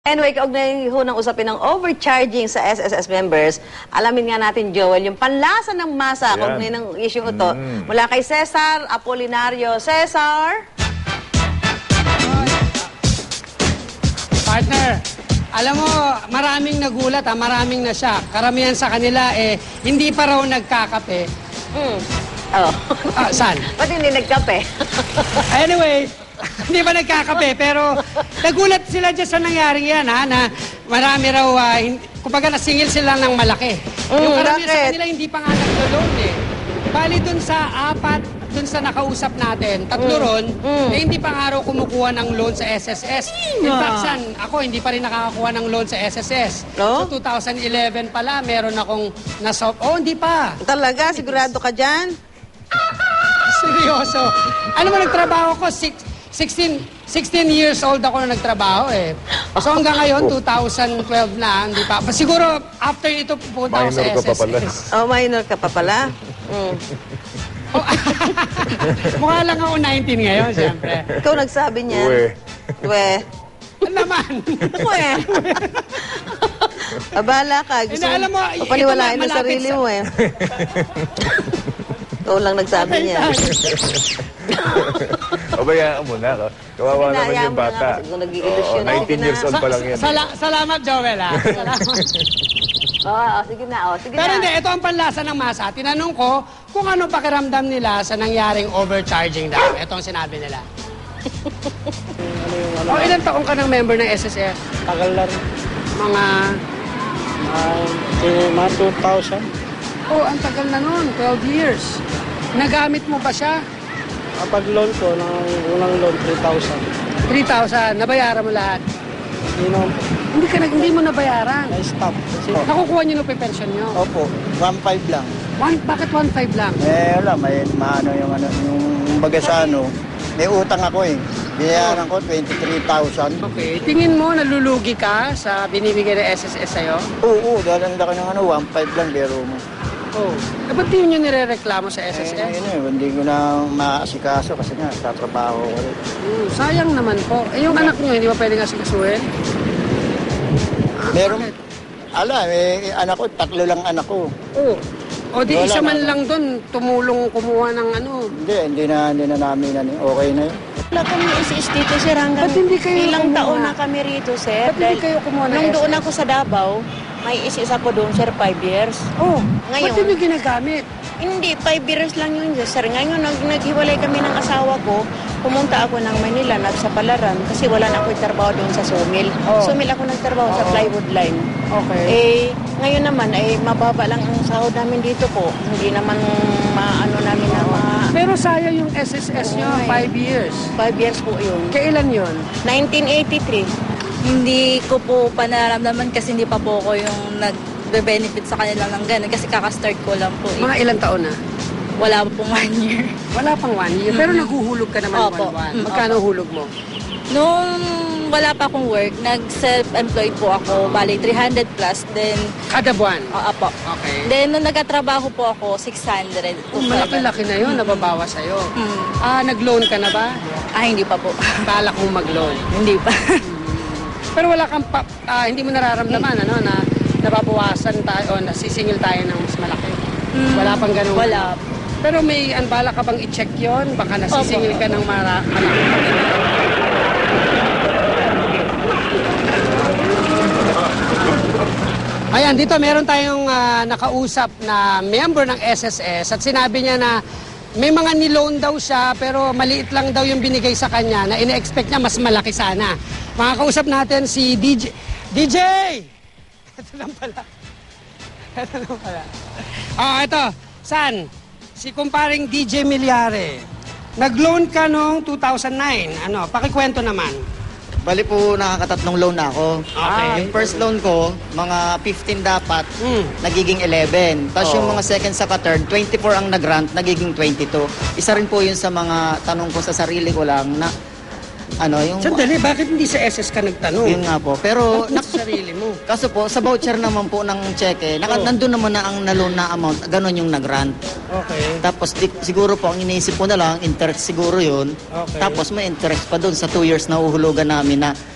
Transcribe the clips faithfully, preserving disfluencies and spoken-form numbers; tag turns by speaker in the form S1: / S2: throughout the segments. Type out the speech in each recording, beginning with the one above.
S1: Anyway, kaugnay ho ng usapin ng overcharging sa S S S members, alamin nga natin, Joel, yung panlasa ng masa, kaugnay ng issue ito. Mm. Mula kay Cesar Apolinario. Cesar?
S2: Partner, alam mo, maraming nagulat, ha? Maraming na siya. Karamihan sa kanila, eh, hindi pa raw nagkakape.
S1: Mm. Oh.
S2: Ah, saan?
S1: Ba't hindi nagkape?
S2: Anyway, hindi ba nagkakape, pero nagulat sila dyan sa nangyaring yan, ha, na marami raw, uh, kumbaga nasingil sila ng malaki. Mm, yung karamihan sa kanila, hindi pa nga naglo-loan, eh. Bali dun sa apat, dun sa nakausap natin, tatlo mm, ron, mm. eh hindi pa nga raw kumukuha ng loan sa S S S. In fact, san, ako hindi pa rin nakakakuha ng loan sa S S S. No? So two thousand eleven pala, meron akong nasa... Oh, hindi pa.
S1: Talaga? Sigurado ka dyan?
S2: Seryoso. Ano mo, nagtrabaho ko, six... sixteen, sixteen years old ako na nagtrabaho eh. So hanggang ngayon, two thousand twelve na, hindi pa. Siguro, after ito, pupunta ako sa S S S.
S3: Minor ka pa pala.
S1: Oh, minor ka pa pala. Mm.
S2: Oh, mukha lang ako nineteen ngayon, siyempre.
S1: Ikaw nagsabi niyan.
S3: Uwe.
S1: Uwe.
S2: Ano naman?
S1: Uwe. Abala ka. Gusto
S2: Ina, alam mo,
S1: mo paniwalain ang sarili
S2: sa...
S1: mo eh. Ikaw lang nagsabi niya.
S3: O bayaan mo na. Kawawa naman yung bata.
S1: Nag-iilusyon.
S3: nineteen years old pa lang yan.
S2: Sala salamat, Joel, ha? Salamat.
S1: Oo, oh, sige na, oh, sige
S2: Pero
S1: na.
S2: hindi, ito ang panlasa ng masa. Tinanong ko kung ano pakiramdam nila sa nangyaring overcharging daw. Ito ang sinabi nila. O, oh, ilang taong ka ng member ng S S S?
S4: Tagal na rin.
S2: Mga...
S4: Uh, mga two thousand.
S2: Oh, ang tagal na nun, twelve years. Nagamit mo ba siya?
S4: Kapag loan ko, ng unang loan, three thousand.
S2: three thousand, nabayaran mo lahat?
S4: Hindi naman po.
S2: Hindi, ka, hindi mo nabayaran.
S4: Na-stop. Kasi,
S2: Oh. Nakukuha niyo ng pension niyo?
S4: opo, one five lang.
S2: One, bakit one five lang?
S4: Eh, wala, may maano yung ano, yung baga sa ano, may utang ako eh. Binayaran ko, twenty-three thousand.
S2: Okay. Tingin mo, nalulugi ka sa binibigay ng S S S sa'yo?
S4: Oo, oo, dahil ang laki ng ano, one five lang, biro mo.
S2: Oo. Eh, ba't di nyo nire-reklamo sa S S S?
S4: Eh, yun eh, hindi ko na maasikaso kasi nga, tatrabaho ko rin.
S2: Hmm, sayang naman po. Eh, yung anak nyo, hindi ba pwedeng asikasuhin?
S4: Meron, ala, eh, anak ko, tatlo lang anak ko.
S2: Oo. O di
S4: Wala
S2: isa man
S4: na.
S2: lang doon, tumulong kumuha ng ano.
S4: Hindi, hindi na, hindi na namin, ano, okay na yun.
S5: Wala kami isis dito, sir. Hanggang
S2: Ba't hindi kayo
S5: ilang
S2: kumuha?
S5: taon na kami rito, sir.
S2: Ba't hindi kayo kumuha ng
S5: nung
S2: S S S?
S5: doon ako sa Davao, may isis ako doon, sir, five years.
S2: Oh,
S5: Ngayon-
S2: ba't yun yung ginagamit?
S5: Hindi, five years lang yun, sir. Ngayon, nag naghiwalay kami ng asawa ko. Pumunta ako ng Manila, nagsapalaran, kasi wala na ako trabaho doon sa sawmill.
S2: Oh.
S5: Sawmill ako nagtrabaho sa plywood line.
S2: Okay.
S5: Eh, ngayon naman, ay mababa lang ang sahod namin dito po. Hindi naman maano namin na ma...
S2: Pero sayang yung S S S nyo,
S5: Oo, eh.
S2: five years.
S5: Five years po yun.
S2: Kailan yun?
S5: nineteen eighty-three.
S6: Hindi ko po panaramdaman kasi hindi pa po ako yung nag-benefit sa kanila ng ganun kasi kakastart ko lang po. Eh.
S2: Mga ilang taon na?
S6: Wala pong one year.
S2: Wala pang one year. Pero naguhulog ka naman
S6: Opo.
S2: one-one.
S6: Mm,
S2: Magkano hulog mo?
S6: Nung wala pa akong work, nag-self-employed po ako, bali three hundred plus, then,
S2: Kada buwan?
S6: oo po.
S2: Okay.
S6: Then, nung nagkatrabaho po ako, six hundred.
S2: Oh, malaki-laki na yun, nababawa sa'yo.
S6: Mm.
S2: Ah, nag-loan ka na ba?
S6: Ah, hindi pa po.
S2: Balak mong mag-loan.
S6: Hindi pa.
S2: Pero wala kang, pa, ah, hindi mo nararamdaman, ano, na nababawasan tayo o nasisingil tayo ng mas malaki.
S6: Mm.
S2: Wala pang ganun.
S6: Wala.
S2: Pero may anbala ka bang i-check yon? Baka nasisingil ka ng mara malaki. Ayan, dito meron tayong ah, nakausap na member ng S S S at sinabi niya na may mga niloan daw siya pero maliit lang daw yung binigay sa kanya na ine-expect niya mas malaki sana. Makakausap natin si D J. D J! Ito lang pala. Ito lang pala. Ah, ito. San? Si kumparing D J Milyare. Nag-loan ka noong two thousand nine. Ano, pakikwento naman.
S7: Bali po, nakakatatlong loan na ako.
S2: Okay.
S7: Yung first loan ko, mga fifteen dapat,
S2: Mm.
S7: nagiging eleven. Tapos
S2: Oo.
S7: yung mga second sa third, twenty-four ang nag-grant, nagiging twenty-two. Isa rin po yun sa mga tanong ko sa sarili ko lang na, ano, yung...
S2: Sandali, bakit hindi sa S S ka nagtanong?
S7: Yun nga po. Pero,
S2: Bakit
S7: nak-
S2: sa sarili mo?
S7: kaso po, sa voucher naman po ng cheque, naka,
S2: Oo.
S7: nandun naman na ang na-loan na amount, ganun yung nag-grant.
S2: Okay.
S7: Tapos di, siguro po, ang iniisip ko na lang, interest siguro yun.
S2: Okay.
S7: Tapos may interest pa doon sa two years na uhulugan namin na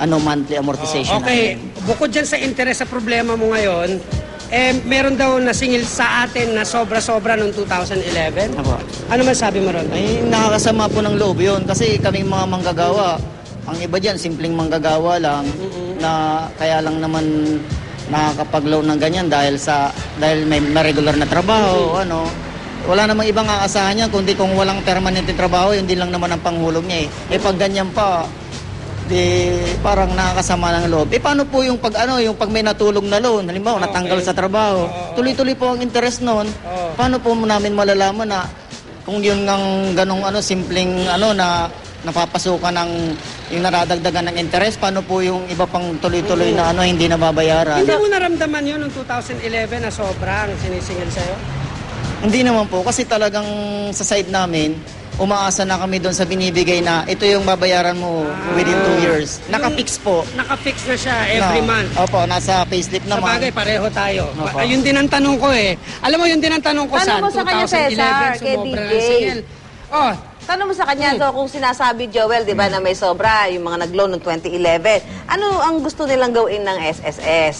S7: ano monthly amortization
S2: Okay,
S7: namin.
S2: bukod dyan sa interest sa problema mo ngayon, eh, meron daw nasingil sa atin na sobra-sobra noong two thousand eleven.
S7: Apo.
S2: Ano man sabi mo ron?
S7: Ay, nakakasama po ng loob yun kasi kaming mga manggagawa, ang iba dyan, simpleng manggagawa lang na kaya lang naman nakakapag-loan ng ganyan dahil sa dahil may, may regular na trabaho, ano. Wala namang ibang aasahan niya kundi kung walang permanent na trabaho, yun din lang naman ang panghulog niya eh. Eh pag ganyan pa, di parang nakakasama ng loob. Eh paano po yung pag ano, yung pag may natulog na loan, halimbawa
S2: Okay.
S7: natanggal sa trabaho, tuloy-tuloy po ang interest noon. Paano po namin malalaman na kung yun ngang ganong ano simpleng ano na napapasukan ng yung naradagdagan ng interest, paano po yung iba pang tuloy-tuloy na ano hindi nababayaran?
S2: Hindi mo naramdaman yun noong two thousand eleven na sobrang sinisingil sa'yo?
S7: Hindi naman po kasi talagang sa side namin umaasa na kami doon sa binibigay na ito yung babayaran mo within two years. Naka-fix po.
S2: Naka-fix na siya every
S7: Na-
S2: month.
S7: Opo, nasa payslip
S2: Sa
S7: naman.
S2: bagay, pareho tayo.
S7: Opo.
S2: Ayun din ang tanong ko eh. Alam mo, yun din ang tanong ko
S1: Tanong
S2: sa
S1: mo sa kanya,
S2: two thousand eleven,
S1: Cesar, kay
S2: sumobra
S1: D J.
S2: ng singil. Oh,
S1: Tanong mo sa kanya, so, kung sinasabi, Joel, di ba, na may sobra, yung mga nag-loan noong twenty eleven, ano ang gusto nilang gawin ng S S S?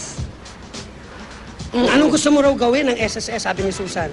S2: mm, anong gusto mo raw gawin ng S S S, sabi ni Susan?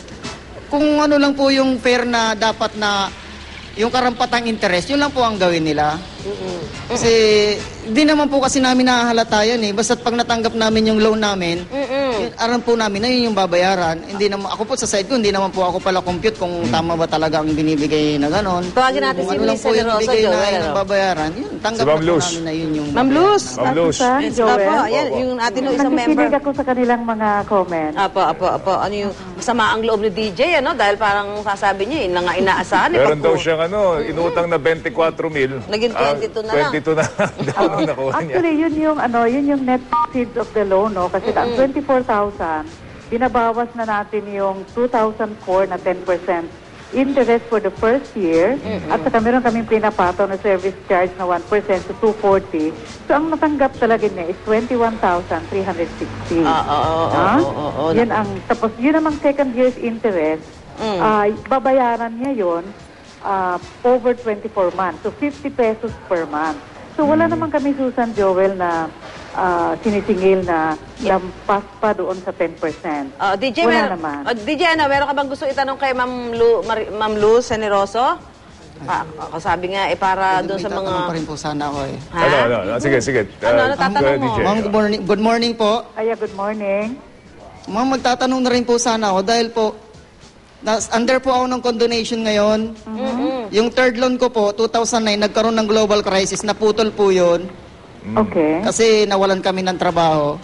S7: Kung ano lang po yung fair na dapat na yung karampatang interest, yun lang po ang gawin nila. Kasi hindi naman po kasi namin nahahalata yan eh. Basta't pag natanggap namin yung loan namin, yun, aram po namin na yun yung babayaran. Hindi naman, ako po sa side ko, hindi naman po ako pala compute kung tama ba talaga ang binibigay na ganon.
S1: Tawagin natin
S7: Kung
S1: si
S7: ano lang
S1: Miss
S7: po yung
S1: Generosa,
S7: bigay na
S1: Joel,
S7: yun ang
S1: ano?
S7: babayaran, yun, tanggap
S3: Si Ma'am
S7: na po
S3: Luz.
S7: namin na yun yung
S1: Ma'am Luz?
S3: Ma'am Luz.
S1: Apo, yan, yung atin yung isang member.
S8: Nakikinig ako sa kanilang mga comments.
S1: Apo, apo, apo. Ano yung masama ang loob ni D J, ano? Dahil parang sasabi niya, yun na nga inaasahan. eh,
S3: Meron
S1: pag-
S3: daw siyang ano, inutang na twenty-four mil.
S1: Naging
S3: Ah,
S1: twenty-two na lang.
S3: twenty-two na lang. daw ang nakuha niya.
S8: Actually, yun yung ano, yun yung net proceeds of the loan, no? Kasi ang twenty-four thousand, binabawas na natin yung two thousand four na ten percent interest for the first year. At saka meron kaming pinapataw na service charge na one percent to two forty. So, ang natanggap talaga niya is twenty-one thousand three hundred sixty.
S1: Ah, oo, oo,
S8: Ah?
S1: oo, oo, oo.
S8: Yun ang, tapos yun namang second year's interest, ah, babayaran niya yun ah, over twenty-four months. So, fifty pesos per month. So, wala naman kami, Susan, Joel, na ah, sinisingil na lampas pa doon sa ten percent.
S1: Oh, D J,
S8: Wala
S1: mer-
S8: naman.
S1: oh, D J, ano, meron ka bang gusto itanong kay Ma'am Lu, Mar- Ma'am Luz Generoso? Ah, ako sabi nga, eh, para doon sa
S7: May tatanong pa
S1: mga...
S7: rin po sana ako eh.
S1: Ha?
S3: Ano, ano, ano, sige, sige.
S1: Ano, ano,
S3: Ah,
S1: tatanong
S3: D J.
S1: mo?
S7: Ma'am, good morning, good morning po.
S8: Aya, good morning.
S7: Ma'am, magtatanong na rin po sana ako dahil po, nas, under po ako ng condonation ngayon. Yung third loan ko po, two thousand nine, nagkaroon ng global crisis, naputol po yun.
S8: Okay.
S7: Kasi nawalan kami ng trabaho.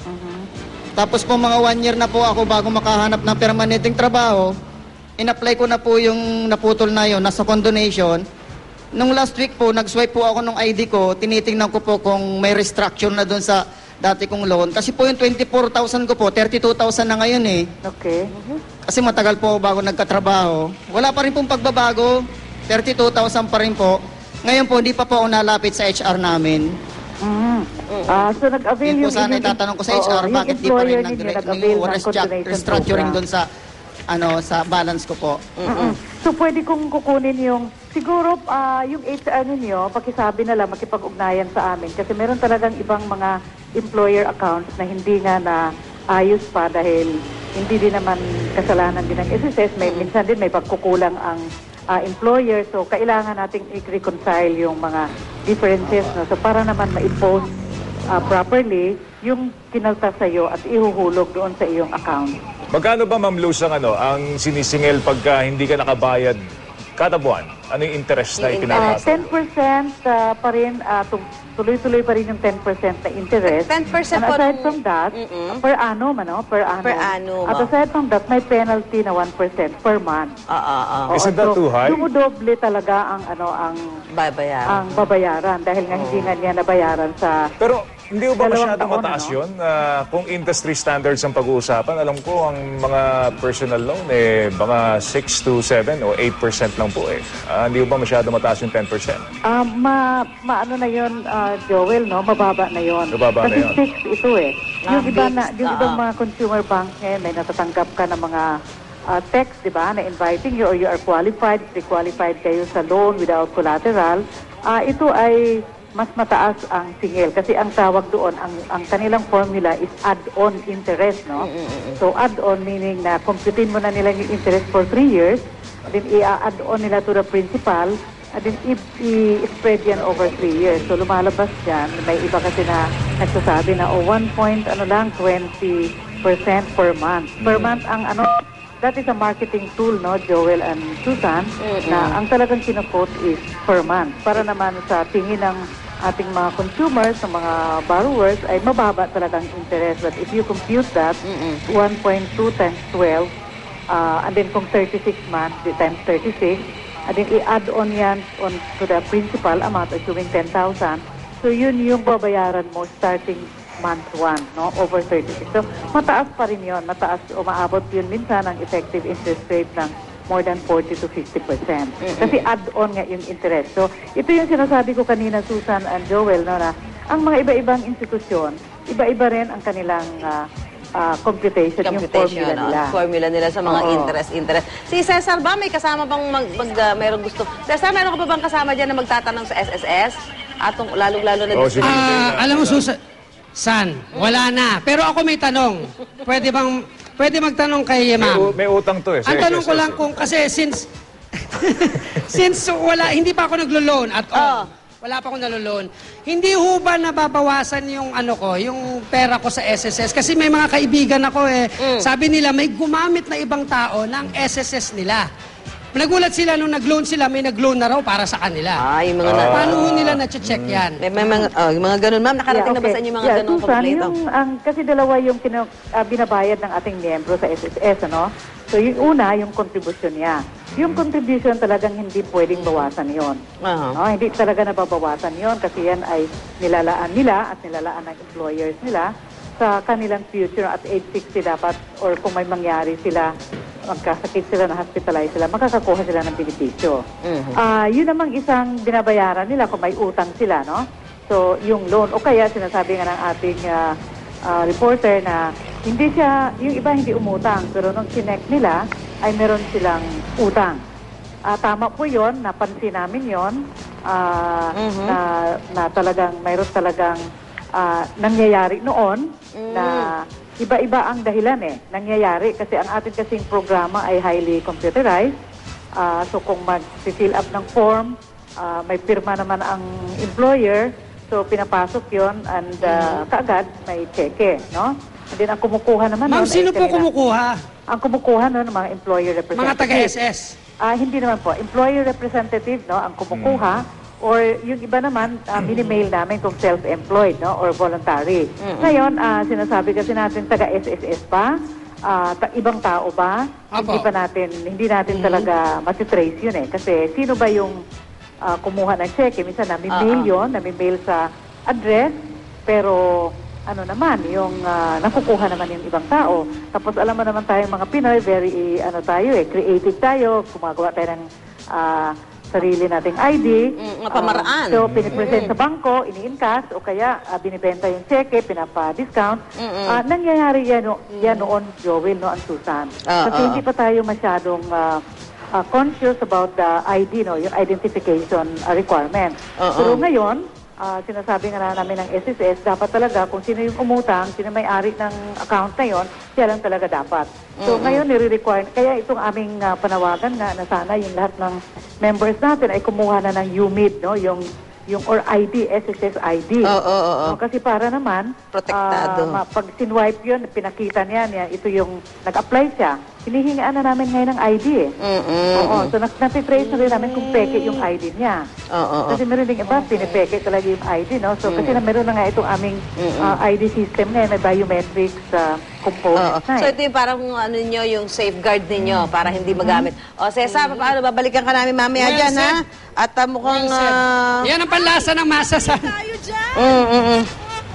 S7: Tapos po mga one year na po ako bago makahanap ng permanenteng trabaho, in-apply ko na po yung naputol na yun, nasa condonation. Nung last week po, nag-swipe po ako ng I D ko, tinitingnan ko po kung may restructure na doon sa dati kong loan. Kasi po yung twenty-four thousand ko po, thirty-two thousand na ngayon eh.
S8: Okay.
S7: Kasi matagal po ako bago nagkatrabaho. Wala pa rin pong pagbabago, thirty-two thousand pa rin po. Ngayon po, hindi pa po ako nalapit sa H R namin.
S8: Mm. Ah, so nag-avail
S7: Yun po
S8: yung
S7: sana
S8: inyong-
S7: itatanong ko sa H R,
S8: Oo, yung
S7: bakit di pa rin
S8: employer ninyo
S7: nag-direct
S8: nag-avail
S7: yung
S8: ng continuation
S7: restructuring
S8: program.
S7: doon sa ano sa balance ko po.
S8: Mm-mm. So pwede kong kukunin yung, siguro ah, yung H R ninyo, pakisabi na lang, makipag-ugnayan sa amin. Kasi meron talagang ibang mga employer accounts na hindi nga na ayos pa dahil hindi din naman kasalanan din ng S S S. May, minsan din may pagkukulang ang ah, employer. So kailangan nating i-reconcile yung mga differences. No? So para naman ma-impose ah, properly yung kinalta sa'yo at ihuhulog doon sa iyong account.
S3: Magkano ba, Ma'am Luz, ang, ano, ang sinisingil pagka hindi ka nakabayad kada buwan? Ano yung interest na
S1: Yung
S8: Uh,
S3: ipinapasa?
S8: ten percent uh, pa rin, uh, tu- tuloy-tuloy pa rin yung ten percent na interest.
S1: ten percent
S8: And
S1: po
S8: aside
S1: nung-
S8: from that,
S1: Mm-mm.
S8: per annum, ano? Per annum.
S1: Per annum,
S8: At
S1: oh.
S8: aside from that, may penalty na one percent per month.
S1: Ah, ah, ah.
S8: Oo,
S3: Isn't that
S8: so,
S3: too high?
S8: Dumudoble talaga ang, ano, ang,
S1: Babayaran.
S8: ang babayaran dahil nga hindi nga niya nabayaran sa...
S3: Pero hindi ba
S8: Dalawang
S3: masyadong
S8: taon,
S3: mataas
S8: ano?
S3: yun? Ah, kung industry standards ang pag-uusapan, alam ko ang mga personal loan, eh, baka six to seven o eight percent lang po eh. Ah, hindi ba masyadong mataas yung ten percent?
S8: Ah, ma, maano na yun, ah, Joel, no? Mababa na yun.
S3: Mababa na
S8: Kasi
S3: yun.
S8: fixed ito eh.
S1: Ah,
S8: Yung iba na,
S1: fixed,
S8: yung
S1: ah,
S8: ibang
S1: ah.
S8: mga consumer banks ngayon, may natatanggap ka ng mga ah, text, di ba, na inviting you or you are qualified, pre-qualified kayo sa loan without collateral. Ah, ito ay mas mataas ang singil. Kasi ang tawag doon, ang, ang kanilang formula is add-on interest, no? So, add-on meaning na computin mo na nila yung interest for three years, then i-add on nila to the principal, and then i-spread yan over three years. So, lumalabas dyan, may iba kasi na nagsasabi na, oh, one point, ano lang, twenty percent per month. Per month ang ano, that is a marketing tool, no, Joel and Susan, mm-hmm. na ang talagang kina-quote is per month. Para naman sa tingin ng ating mga consumers, ng mga borrowers, ay mababa talagang interest. But if you compute that, mm-hmm. one point two times twelve, uh, and then kung thirty-six months, times thirty-six, and then i-add on yan on to the principal amount, assuming ten thousand. So yun yung babayaran mo starting month one, no? Over thirty-six. So, mataas pa rin yun. Mataas, umaabot yun minsan ang effective interest rate ng more than forty to fifty percent. Kasi add-on nga yung interest. So, ito yung sinasabi ko kanina, Susan and Joel, no, na ang mga iba-ibang institusyon, iba-iba rin ang kanilang uh, uh, computation, yung formula
S1: no?
S8: nila.
S1: Formula nila sa mga
S8: Oo.
S1: interest, interest. Si Cesar ba, may kasama bang mag, mag uh, mayroong gusto? Cesar, meron ka ba bang kasama dyan na magtatanong sa S S S? Atong lalong-lalo na...
S3: Oh, sige.
S2: Ah, alam mo, Susan, San, wala na. Pero ako may tanong. Pwede bang, pwede magtanong kay
S3: May, u-
S2: ma'am?
S3: may utang to eh.
S2: Ang
S3: Sa
S2: tanong ko
S3: S S S,
S2: lang
S3: eh.
S2: kung, kasi since, since wala, hindi pa ako naglo-loan at all.
S1: Oh.
S2: Wala pa akong nalo-loan. Hindi ho ba nababawasan yung ano ko, yung pera ko sa S S S? Kasi may mga kaibigan ako eh. Sabi nila, may gumamit na ibang tao ng S S S nila. Nagulat sila nung nag-loan sila, may nag-loan na raw para sa kanila.
S1: Ah, yung mga... na,
S2: Paano ho nila na-check yan?
S1: may, may mga, oh, yung mga ganun. Ma'am, nakarating na ba sa inyo yung mga
S8: yeah,
S1: ganun
S8: Susan,
S1: complaint?
S8: yung, ang, kasi dalawa yung kina, uh, binabayad ng ating miyembro sa S S S, ano? So, yung una, yung contribution niya. Yung contribution talagang hindi pwedeng bawasan yon.
S1: Uh-huh.
S8: No? Hindi talaga nababawasan yon kasi yan ay nilalaan nila at nilalaan ng employers nila sa kanilang future at age sixty dapat or kung may mangyari sila, magkasakit sila, na-hospitalize sila, makakakuha sila ng benepisyo.
S1: Mhm.
S8: Ah, yun namang isang binabayaran nila kung may utang sila, no? So, yung loan, o kaya sinasabi nga ng ating ah, ah, reporter na hindi siya, yung iba hindi umutang, pero nung connect nila, ay meron silang utang. Ah, tama po yun, napansin namin yun, ah,
S1: Mhm.
S8: na, na talagang, mayroon talagang ah, nangyayari noon na iba-iba ang dahilan eh, nangyayari. Kasi ang atin kasing programa ay highly computerized. Ah, so kung mag-fill up ng form, ah, may pirma naman ang employer, so pinapasok yon and ah, kaagad may cheque, no? And then ang kumukuha naman
S2: Ma'am,
S8: nun ay
S2: sino po
S8: kanila-
S2: kumukuha?
S8: Ang kumukuha nun, mga employer representative.
S2: Mga taga-S S.
S8: Ah, hindi naman po. Employer representative, no, ang kumukuha. Or yung iba naman, uh, mini-mail namin kung self-employed, no, or voluntary. Ngayon, ah, sinasabi kasi natin taga-S S S pa, ah, ta- ibang tao ba?
S2: Apo.
S8: Hindi pa natin, hindi natin talaga matitrace yun eh. Kasi sino ba yung ah, kumuha ng cheque? Minsan nami-mail yun, nami-mail sa address, pero ano naman, yung ah, nakukuha naman yung ibang tao. Tapos alam mo naman tayong mga Pinoy, very, ano tayo eh, creative tayo, gumagawa tayo ng ah, sarili nating I D.
S1: Mm, mga pamaraan.
S8: Ah, so, pinipresent sa bangko, ini-encash, o kaya ah, binibenta yung cheque, pinapa-discount. Ah, nangyayari yan, no, yan noon, Joel, no, ang Susan.
S1: Ah,
S8: Kasi
S1: ah.
S8: hindi pa tayo masyadong ah, ah, conscious about the I D, no, yung identification ah, requirement.
S1: Ah,
S8: Pero
S1: ah.
S8: ngayon, ah, sinasabi nga na namin ng S S S, dapat talaga kung sino yung umutang, sino may-ari ng account na yon, siya lang talaga dapat. So ngayon, nire-require, kaya itong aming ah, panawagan nga na sana yung lahat ng members natin ay kumuha na ng U M I D, no? Yung, yung or I D, S S S I D.
S1: Oo, oo, oo.
S8: No, kasi para naman,
S1: Protektado.
S8: ah, ma- pag sinwipe yun, pinakita niya, niya, ito yung nag-apply siya, hinihingaan na namin ngayon ng I D eh.
S1: Mm-mm.
S8: Oo, so nat- natitrace na rin namin kung peke yung I D niya.
S1: Oo, oo.
S8: Kasi meron din iba, pinipeke talaga yung I D, no? So, kasi na meron na nga itong aming ah, I D system ngayon, may biometrics uh,
S1: Oo.
S8: components na
S1: So
S8: eh.
S1: ito yung parang ano nyo, yung safeguard ninyo para hindi magamit. O Cesar, paano babalikan ka namin mamaya
S2: Well
S1: dyan,
S2: said.
S1: ha? At uh, mukhang...
S2: Well said.
S1: ah,
S2: Yan ang panlasa ng masa sa...
S1: mm, mm, mm.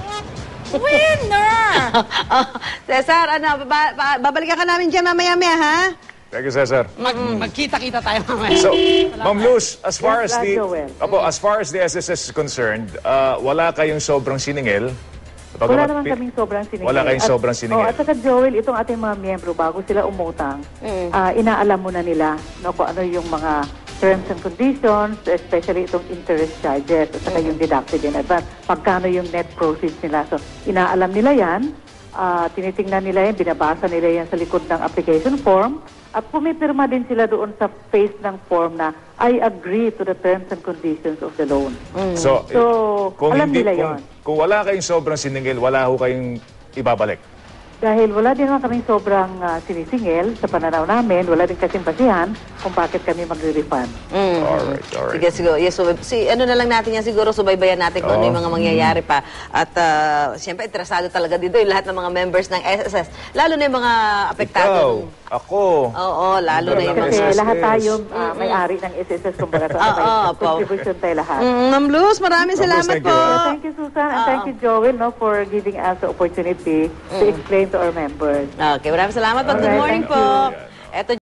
S6: Winner!
S1: Cesar, ano, baba- ba- babalikan ka namin dyan mamaya-maya, ha?
S3: Thank you, Cesar.
S2: Mag, magkita-kita tayo mamaya.
S3: So, Ma'am Luz, as far
S8: Yes,
S3: as the
S8: Joel.
S3: Apo, as far as the S S S is concerned, ah, wala kayong sobrang siningil.
S8: Wala
S3: Bagamat
S8: naman
S3: pi-
S8: kaming sobrang siningil.
S3: Wala kayong
S8: At-
S3: sobrang siningil.
S8: Oh, at saka Joel, itong ating mga miyembro, bago sila umutang, ah, inaalam mo na nila no, kung ano yung mga terms and conditions, especially itong interest charges at saka yung deducted in advance. Pagkano yung net proceeds nila. So, inaalam nila yan, uh, tinitingnan nila yan, binabasa nila yan sa likod ng application form, at pumipirma din sila doon sa face ng form na I agree to the terms and conditions of the loan.
S3: So,
S8: So,
S3: kung
S8: alam
S3: hindi,
S8: nila
S3: kung,
S8: yon.
S3: kung wala kayong sobrang siningil, wala ho kayong ibabalik.
S8: Dahil wala din naman kaming sobrang ah, sinisingil sa pananaw namin, wala din kasing basihan kung bakit kami magre-refund.
S1: Mm.
S3: Alright, alright.
S1: Sige, siguro. Yes, so, si, ano na lang natin yan siguro, subaybayan natin kung ano
S3: Oo.
S1: yung mga mangyayari pa. At uh, siyempre, interesado talaga dito yung lahat ng mga members ng S S S. Lalo na yung mga apektado.
S3: Ikaw,
S1: ng-
S3: ako.
S1: Oo, lalo na yung
S3: Ng
S1: mga...
S8: Kasi
S3: S S S.
S8: lahat tayo ah, may-ari ng S S S, kumbaga. So,
S1: Oo,
S8: may
S1: po.
S8: contribution tayo lahat.
S1: Mm, Ma'am Luz, maraming
S3: Ma'am Luz,
S1: salamat
S3: thank
S1: po.
S3: you.
S8: Thank you, Susan, and thank you, Joel, no, for giving us the opportunity to explain to our members.
S1: Okay, maraming salamat po. Good
S8: Alright,
S1: morning
S8: thank
S1: po.
S8: you.
S1: Eto